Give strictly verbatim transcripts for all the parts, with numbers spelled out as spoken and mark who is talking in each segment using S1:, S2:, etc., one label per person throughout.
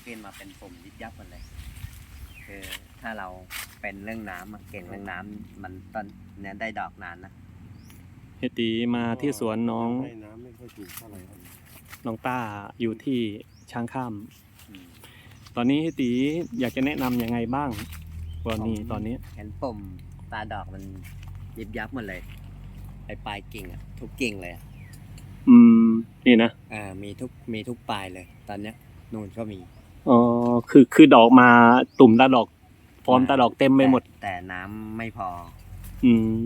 S1: ขึ้นมาเป็นปุ่มยิบยับหมดเลยคือถ้าเราเป็นเรื่องน้ำเก่งเรื่องน้ำมันตอนเนี้ยได้ดอกนานนะ
S2: เฮตีมาที่สวนน้อง
S3: ให้น้ำไม่ค่อยถูกเท่าไหร่ครับ
S2: น้องต้าอยู่ที่ช้างข้ามตอนนี้เฮตีอยากจะแนะนำยังไงบ้างวันนี้ตอนนี้
S1: เห็นปุ่มตาดอกมันยิบยับหมดเลยไปปลายกิ่งอะทุกกิ่งเลย
S2: อืมนี่นะ
S1: อ่ามีทุกมีทุกปลายเลย ตอนเนี้ยนูนก็มี
S2: อ๋อคือคือดอกมาตุ่มตาดอกฟอร์มตาดอกเต็มไปหมด
S1: แต่น้ำไม่พอ
S2: อืม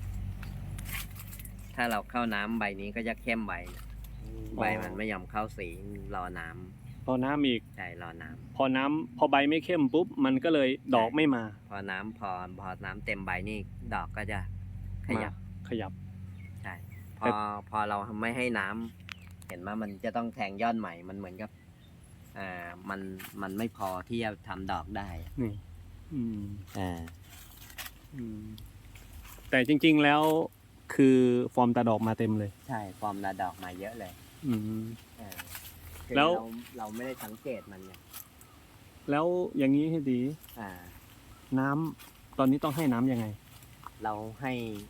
S1: ถ้าเราเข้าน้ำใบนี้ก็จะเข้มใบใบมันไม่ยอมเข้าสีรอน้ำ
S2: พอน้ำอีก
S1: ใช่รอน้ำ
S2: พอน้ำพอใบไม่เข้มปุ๊บมันก็เลยดอกไม่มา
S1: พอน้ำพอพอน้ำเต็มใบนี่ดอกก็จะขยับ
S2: ขยับ
S1: ใช่พอพอเราไม่ให้น้ำเห็นว่ามันจะต้องแทงยอดใหม่มันเหมือนกับอ่ามันมันไม่พอที่จะทำดอกได้
S2: นี่อืม
S1: อ่า
S2: อืมแต่จริงๆแล้วคือฟอร์มตาดอกมาเต็มเลย
S1: ใช่ฟอร์มตาดอกมาเยอะเลย
S2: อืม
S1: อ่าแล้วเราเราไม่ได้สังเกตมันไง
S2: แล้วอย่างนี้ให้ดี
S1: อ่า
S2: น้ำตอนนี้ต้องให้น้ำยังไง
S1: เราให้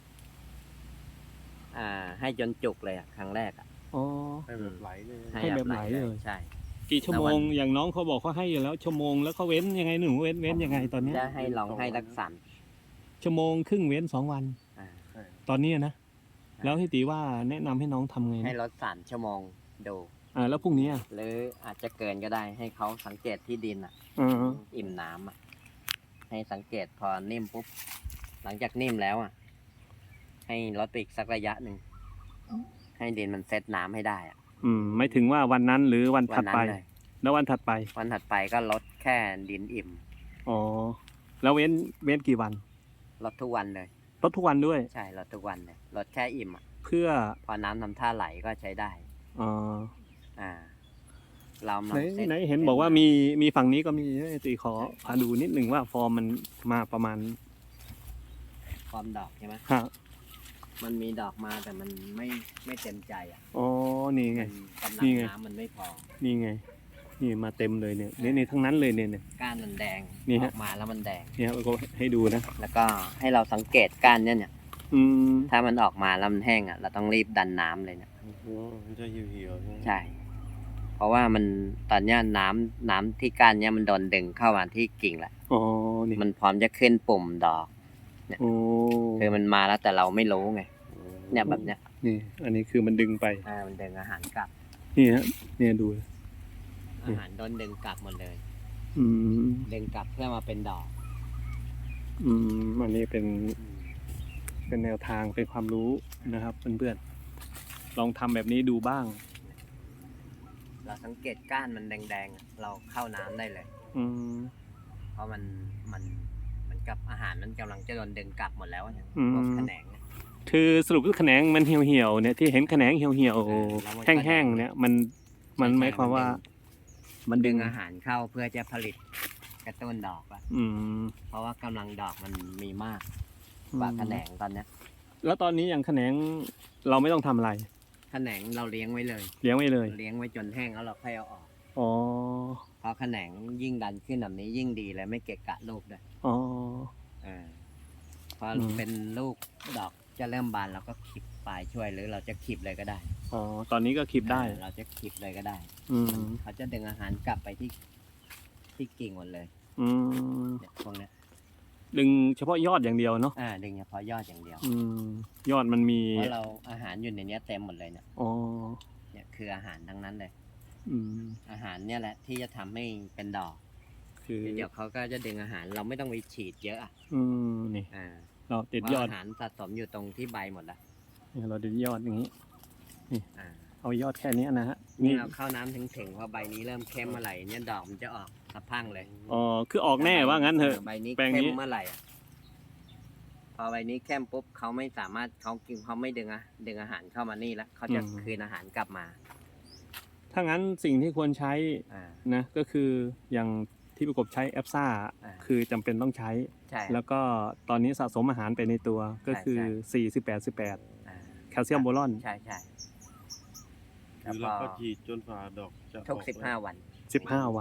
S1: อ่า ให้จนจุกเลยอ่ะครั้งแรกอ่ะ
S2: อ๋อ
S3: ให้แบบไหลเลย
S2: ให้แบบไหลเลย
S1: ใช่
S2: กี่ชั่วโมงอย่างน้องเขาบอกเขาให้อยู่แล้วชั่วโมงแล้วเขาเว้นยังไงหนูเว้นเว้นยังไงตอนนี้
S1: จะให้ลองให้รักษา
S2: ชั่วโมงครึ่งเว้นสองวันตอนนี้นะแล้วพี่ตีว่าแนะนำให้น้องทำไง
S1: ให้ลดสามชั่วโมงดู
S2: อ่าแล้วพรุ่งนี้
S1: หรืออาจจะเกินก็ได้ให้เขาสังเกตที่ดินอ่ะอิ่มน้ำอ่ะให้สังเกตพอนิ่มปุ๊บหลังจากนิ่มแล้วอ่ะให้ลดไปอีกสักระยะหนึ่งให้ดินมันเซตน้ำให้ได้อ่ะ
S2: อืมไม่ถึงว่าวันนั้นหรือวันถัดไปแล้ววันถัดไป
S1: วันถัดไปก็ลดแค่ดินอิ่ม
S2: อ๋อแล้วเว้นเว้นกี่วัน
S1: ลดทุกวันเลย
S2: ลดทุกวันด้วย
S1: ใช่ลดทุกวันเลยลดแค่อิ่มอ่ะ
S2: เพื่อ
S1: พอน้ำทำท่าไหลก็ใช้ได้
S2: อ๋อ
S1: อ่าเรา
S2: ไหนไหนเห็นบอกว่ามีมีฝั่งนี้ก็มีตีขอพาดูนิดหนึ่งว่าฟอร์มมันมาประมาณ
S1: ฟอร์มดอกใช่ไหม
S2: ฮะ
S1: มันมีดอกมาแต่มันไม่ไม่เต็มใจอ่ะ
S2: อ๋อนี่ไง
S1: กำลังน้ำมันไม่พอ
S2: นี่ไงนี่มาเต็มเลยเนี่ยนี่ในทั้งนั้นเลยเนี่ย
S1: ก้านมันแดงออกมาแล้วมันแดง
S2: เนี่ยเราก็ให้ดูนะ
S1: แล้วก็ให้เราสังเกตก้านเนี่ยเนี่ย
S2: อืม
S1: ถ้ามันออกมาแล้วมันแห้งอ่ะเราต้องรีบดันน้ำเลยเนี่ย
S3: มันจะเหี่ยวๆ
S1: ใช่เพราะว่ามันตอนนี้น้ำน้ำที่ก้านเนี่ยมันโดนดึงเข้ามาที่กิ่งแหละ
S2: อ๋อนี่
S1: มันพร้อมจะขึ้นปุ่มดอกเนี่ยคือมันมาแล้วแต่เราไม่รู้ไงเนี่ยแบบเนี้ย
S2: นี่อันนี้คือมันดึงไป
S1: อ่ามันดึงอาหารกลับ
S2: นี่ฮะเนี่ยดู
S1: อาหารโดนดึงกลับหมดเลย
S2: อืม
S1: ดึงกลับเพื่อมาเป็นดอก
S2: อืมอันนี้เป็นเป็นแนวทางเป็นความรู้นะครับเพื่อนๆลองทำแบบนี้ดูบ้าง
S1: เราสังเกตก้านมันแดงๆเราเข้าน้ำได้เลย
S2: อืม
S1: เพราะมันมันเหมือนกับอาหารมันกำลังจะโดนดึงกลับหมดแล้วเนี่ยพวกแขนง
S2: คือสรุปคือแขนงมันเหี่ยวๆเนี่ยที่เห็นแขนงเหี่ยวๆแห้งๆเนี่ยมันมันหมายความว่า
S1: มันดึงอาหารเข้าเพื่อจะผลิตกระตุ้นดอกอ่ะเพราะว่ากำลังดอกมันมีมากกว่าแขนงตอนเนี้ย
S2: แล้วตอนนี้อย่างแขนงเราไม่ต้องทำอะไร
S1: แขนงเราเลี้ยงไว้เลย
S2: เลี้ยงไว้เลย
S1: เลี้ยงไว้จนแห้งแล้วเราค่อยเอาออก
S2: อ๋อ
S1: เพราะแขนงยิ่งดันขึ้นแบบนี้ยิ่งดีเลยไม่เกะกะลูกด้วย
S2: อ๋อ
S1: อ่าพอเป็นลูกดอกจะเริ่มบานเราก็ขีบปลายช่วยหรือเราจะขีบเลยก็ได้
S2: อ๋อตอนนี้ก็ขีบได้
S1: เราจะขีบเลยก็ได้
S2: อืม
S1: เขาจะดึงอาหารกลับไปที่ที่กิ่งหมดเลย
S2: อืม
S1: เนี่ยพวกเนี้ย
S2: ดึงเฉพาะยอดอย่างเดียวเนาะ
S1: อ่าดึงเฉพาะยอดอย่างเดียว
S2: อืมยอดมันมี
S1: เพราะเราอาหารอยู่ในนี้เต็มหมดเลยเนี่ย
S2: อ๋อ
S1: เนี่ยคืออาหารทั้งนั้นเลย
S2: อืม
S1: อาหารเนี่ยแหละที่จะทำให้เป็นดอก
S2: คือ
S1: เดี๋ยวเขาก็จะดึงอาหารเราไม่ต้องไปฉีดเยอะอ่ะ
S2: อืมนี่
S1: อ่า
S2: เราติดยอด
S1: อาหารสะสมอยู่ตรงที่ใบหมดละ
S2: เราติดยอดอย่างนี้นี่
S1: อ่า
S2: เอายอดแค่นี้นะฮะ
S1: นี่เราเข้าน้ำถึงถึงพอใบนี้เริ่มเข้มเมื่อไหร่เนี่ยดอกมันจะออกสะพังเลย
S2: อ๋อคือออกแน่ว่างั้นเถอะ
S1: ใบนี้เข้มเมื่อไหร่อ่ะพอใบนี้เข้มปุ๊บเขาไม่สามารถเขากินเขาไม่ดึงอะดึงอาหารเข้ามานี่แล้วเขาจะคืนอาหารกลับมา
S2: ถ้างั้นสิ่งที่ควรใช้นะก็คืออย่างที่ประกบใช้แอปซ่าคือจำเป็นต้องใช้แล้วก็ตอนนี้สะสมอาหารไปในตัวก็คือสี่ สิบแปด สิบแปดแคลเซียมโบรอน
S1: ใช่ใช่
S3: คือเราก็ฉีดจนฝ่าดอกจะ
S1: ทุกสิบห้าวัน
S2: สิบห้าวัน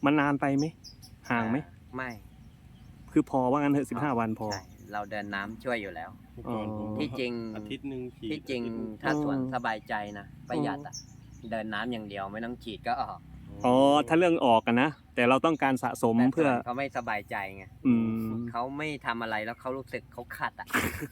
S2: มันนานไปไหมห่างไหม
S1: อ่ไม่
S2: คือพอว่างั้นเถอะสิบห้าวันพอ
S1: ใช่เราเดินน้ำช่วยอยู่แล้ว
S3: เมื่อก่อนผม
S1: ที่จริง
S3: อาทิตย์หนึ่งฉีด
S1: ที่จริง
S3: อาทิตย์หนึ่ง
S1: ถ้าสวน
S2: อืม
S1: สบายใจนะประหยัดอ่ะเดินน้ำอย่างเดียวไม่ต้องฉีดก็ออก
S2: อ๋อถ้าเรื่องออกกันนะแต่เราต้องการสะสม
S1: แต่
S2: เพื่อ
S1: ส่วนเขาไม่สบายใจไง
S2: อืม
S1: เขาไม่ทำอะไรแล้วเขารู้สึกเขาขัดอ่ะ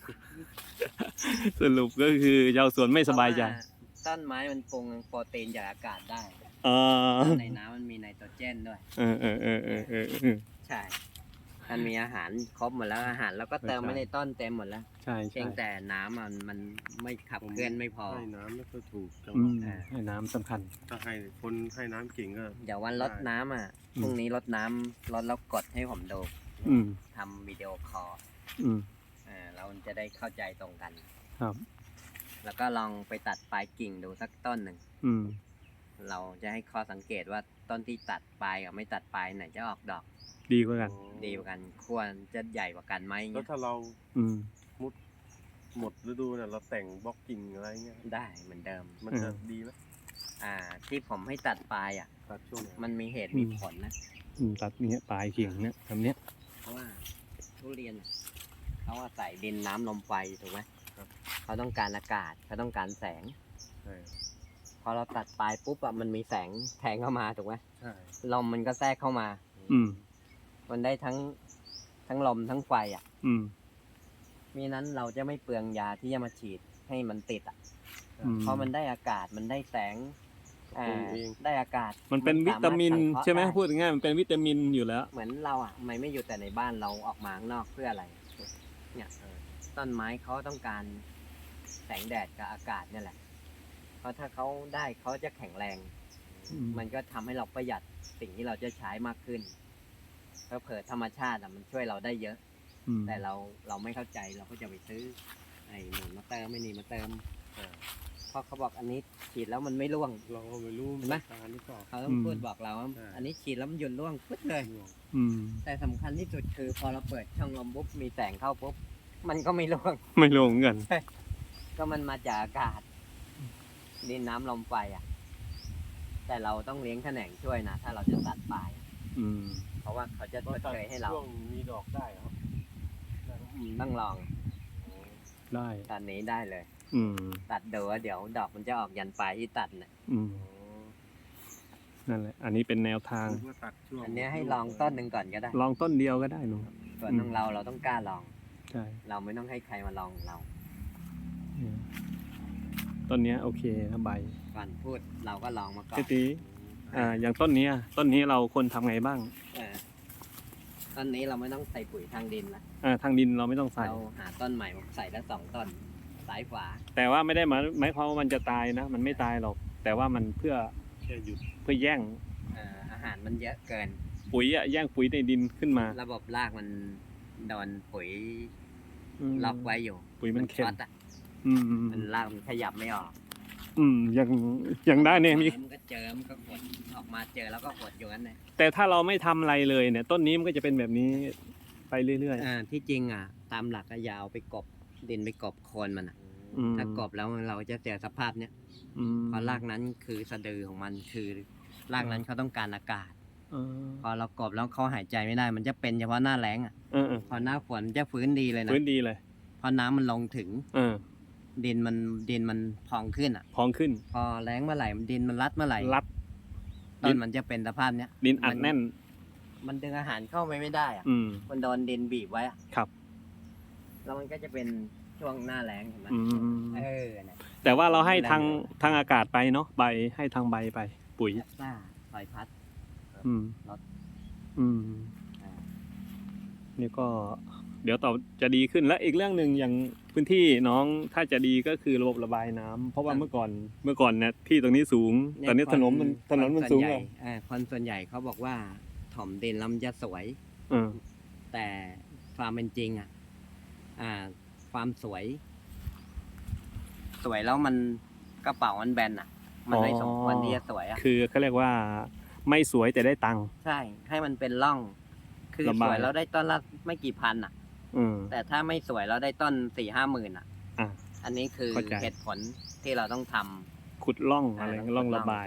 S2: สรุปก็คือชาวสวนไม่สบายใจ
S1: เพระว่ต้นไม้มันปรุงโปรตีนจากอากาศได้
S2: เออ
S1: ในน้ำมันมีไนโตรเจนด้วย
S2: เออเออเออเออเออเออ
S1: ใช่ มันมีอาหารครบหมดแล้วอาหารแล้วก็เติม
S2: ใช่
S1: ไม่ในต้นเต็มหมดแล้ว
S2: ใช่
S1: เพี
S2: ใช่
S1: ยงแต่น้ำมันมันไม่ขับเคลื่อนไม่พอ
S3: ให้น้ำไม่ค่อยถูกจัง
S2: อื
S3: หวะ
S2: ม
S1: อ่า
S2: ให้น้ำสำคัญ
S3: ถ้าให้คนให้น้ำเก่งก็
S1: เดี๋ยววันรดน้ำอ่ะ
S2: อืม
S1: พรุ่งนี้รดน้ำรดแล้วกดให้ผมดู
S2: อืม
S1: ทำวิดีโอคอล
S2: อืม
S1: อ่าเราจะได้เข้าใจตรงกัน
S2: ครับ
S1: แล้วก็ลองไปตัดปลายกิ่งดูสักต้นหนึ่ง
S2: อืม
S1: เราจะให้ข้อสังเกตว่าต้นที่ตัดปลายกับไม่ตัดปลายไหนจะออกดอก
S2: ดีกว่ากัน
S1: ดีกว่ากันควรจะใหญ่กว่ากันไหม
S3: แล้ว
S1: เงี้ย
S3: ถ้าเรา
S2: อืม
S3: หมดฤดูเนี่ยเราแต่งบล็อกกิ่งอะไรเงี้ย
S1: ได้เหมือนเดิม
S3: มันจะดีไหม
S1: อ่า ที่ผมให้ตัดปลายอ่ะ
S3: ตัดช่วงไหน
S1: มันมีเหตุ
S2: อืม
S1: มีผลนะ
S2: อืมตัดเนี้ยปลายเขียงเนี้ยทำเนี้ย
S1: เพราะว่าทุเรียนอะเขาอาศัยดินน้ำลมไฟถูกไหมเขาต้องการอากาศเขาต้องการแสง
S3: ใช่
S1: พอเราตัดปลายปุ๊บอะมันมีแสงแทงเข้ามาถูกไหม
S3: ใช่
S1: ลมมันก็แทรกเข้ามา
S2: อืม
S1: มันได้ทั้งทั้งลมทั้งไฟอ่ะ
S2: อืม
S1: มีนั้นเราจะไม่เปลืองยาที่จะมาฉีดให้มันติดอ่ะ
S2: อืม
S1: เพราะมันได้อากาศมันได้แสงอ่า
S3: ปรุงเอง
S1: ได้อากาศ
S2: มันเป็นวิตามิน
S1: สรถสังเคราะห์
S2: ใช่ไหม
S1: ด้
S2: พูดง่ายๆมันเป็นวิตามินอยู่แล้ว
S1: เหมือนเราอ่ะทำไมไม่อยู่แต่ในบ้านเราออกมาข้างนอกเพื่ออะไร เนี่ยต้นไม้เขาต้องการแสงแดดกับอากาศเนี่ยแหละ เพราะถ้าเขาได้เขาจะแข็งแรง
S2: อืม
S1: มันก็ทำให้เราประหยัดสิ่งที่เราจะใช้มากขึ้นเพราะเผื่อธรรมชาติอ่ะมันช่วยเราได้เยอะ
S2: อืม
S1: แต่เราเราไม่เข้าใจเราก็จะไปซื้อไอ้หนุนมาเติมไม่นี่มาเติม
S3: อ่า
S1: เพราะเขาบอกอันนี้ฉีดแล้วมันไม่ร่วง
S3: เราก็ไม่รู้
S1: เห็นไหม
S3: การหรือเปล่า
S1: เขาต้องพูดบอกเราว่า
S3: ใช่
S1: อันนี้ฉีดแล้วมันหยุดร่วงปึ๊ดเลย
S3: ร่วง
S2: อืม
S1: แต่สำคัญที่สุดคือพอเราเปิดช่องลมปุ๊บมีแสงเข้าปุ๊บมันก็ไม่ร่วง
S2: ไม่ลงกัน
S1: ก็มันมาจากอากาศ ดินน้ำลมไฟอ่ะ แต่เราต้องเลี้ยงแขนงช่วยนะ ถ้าเราจะตัดปลาย
S2: อืม
S1: เพราะว่าเขาจะชดเชยให้เรา
S3: ช่วงมีดอกได้เหรอครับ
S1: อืมต้องลอง
S2: ได้
S1: ตอนนี้ได้เลย
S2: อืม
S1: ตัดดูว่าเดี๋ยวดอกมันจะออกยันปลายที่ตัดน่ะ
S2: อืม นั่นแหละ อันนี้เป็นแนวทาง
S3: ผมก็ตัดช่วง
S1: อันเนี้ยให้ลองต้นหนึ่งก่อนก็ได้
S2: ลองต้นเดียวก็ได้หนู
S1: ส่วนของเราเราต้องกล้าลอง
S2: ใช่
S1: เราไม่ต้องให้ใครมาลองเรา
S2: เนี่ยต้นเนี้ยโอเคนะใบ
S1: ก่อนพูดเราก็ลองมาก่อน
S2: พี่ตีอ่า อย่างต้นเนี้ยต้นนี้เราควรทำไงบ้าง
S1: เออต้นนี้เราไม่ต้องใส่ปุ๋ยทางดินละ
S2: อ่า ทางดินเราไม่ต้องใส่
S1: เราหาต้นใหม่มาใส่แล้วสองต้นซ้ายขวา
S2: แต่ว่าไม่ได้หมายหมายความว่ามันจะตายนะ มันไม่ตายหรอก แต่ว่ามันเพื่อ
S3: แค่หยุด
S2: เพื่อแย่ง
S1: เอ่ออาหารมันเยอะเกิน
S2: ปุ๋ยอะแย่งปุ๋ยในดินขึ้นมา
S1: ระบบรากมันโดนปุ๋ย
S2: ม
S1: ล็อกไว้อยู่
S2: ปุ๋ยมันเค็ม
S1: ช็อตอ่ะ
S2: อืมอืม
S1: มันรากมันขยับไม่ออก
S2: อืมยังยังได้เนี่ยมี
S1: มันก็เจอมันก็กดออกมาเจอแล้วก็กดอยู่นั้นเลย
S2: แต่ถ้าเราไม่ทำอะไรเลยเนี่ย ต้นนี้มันก็จะเป็นแบบนี้ไปเรื่อย
S1: อ่าที่จริงอ่ะ ตามหลักก็อยาเอาไปกบดินไปกบโคนมันอ่ะ
S2: ๆอืม
S1: ถ้ากบแล้วเราจะเจอสภาพเนี้ย
S2: อืม
S1: เพราะรากนั้นคือสะดือของมันคือรากนั้นเขาต้องการอากาศ
S2: เออ
S1: พอเรากบแล้วเขาหายใจไม่ได้ มันจะเป็นเฉพาะหน้าแล้งอ่ะ
S2: เออเออ
S1: พอหน้าฝนมันจะฟื้นดีเลยนะ
S2: พื้นดีเลย
S1: พอน้ำมันลงถึง
S2: เออ
S1: ดินมันดินมันพองขึ้นอ่ะ
S2: พองขึ้น
S1: พอแล้งเมื่อไหร่ดินมันรัดเมื่อไหร่
S2: รัด
S1: ต้นมันจะเป็นสภาพเนี้ย
S2: ดินอัดแน่น
S1: มันดึงอาหารเข้าไปไม่ได้อ่ะ
S2: อืม
S1: มันโดนดินบีบไว้อะ
S2: ครับ
S1: แล้วมันก็จะเป็นช่วงหน้าแล้งเห็นไหม
S2: อืม
S1: เออเนี่ย
S2: แต่ว่าเราให้ทาง
S1: แรงอยู่
S2: ทางอากาศไปเนาะใบให้ทางใบไป ปุ๋ย
S1: แอปซ่าลอยพัด
S2: อืม
S1: รถ
S2: อืม
S1: อ่า
S2: นี่ก็เดี๋ยวต่อจะดีขึ้นและอีกเรื่องหนึ่งอย่างพื้นที่น้องถ้าจะดีก็คือระบบระบายน้ำเพราะว่าเมื่อก่อนเมื่อก่อนเนี่ยที่ตรงนี้สูง ตอนนี้ถนนมันถนนมันสูง
S1: คส่ว
S2: เล
S1: ใหญ่
S2: ย
S1: อ่าคนส่วนใหญ่เขาบอกว่าถ่อมดินแล้วมันจะสวย
S2: เออ
S1: แต่ความเป็นจริงอ่ะ อ่า ความสวย สวยแล้วมันกระเป๋ามันแบนอ่ะ มันไม่สมควรที่จะสวยอ่ะ
S2: คือเขาเรียกว่าไม่สวยแต่ได้ตังค์
S1: ใช่ ให้มันเป็นร่อง คือ
S2: ระ
S1: ส
S2: บาย
S1: วยแล้วได้ต้นละไม่กี่พันอ่ะ
S2: อืม
S1: แต่ถ้าไม่สวยแล้วได้ต้นสี่ห้าหมื่นอ่ะ
S2: อ่ะ
S1: อันนี้คือ
S2: เข้าใจ
S1: เหตุผลที่เราต้องทำ
S2: ขุดร่อง
S1: า
S2: อะไร
S1: ต้
S2: ร่องระบาย
S1: ใช่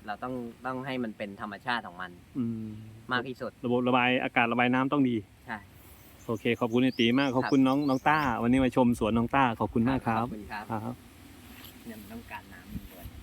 S1: เราต้องต้องให้มันเป็นธรรมชาติของมัน
S2: อืม
S1: มากที่สุด
S2: ระบบระบายอากาศระบายน้ำต้องดี
S1: ใช่
S2: โอเคขอบคุณไอตีมากขอบคุณน้องน้องต้า วันนี้มาชมสวนน้องต้าขอบคุณมากครับ
S1: ขอบคุณครับ
S2: ครับ
S1: เนี่ยมันต้องการน้ำ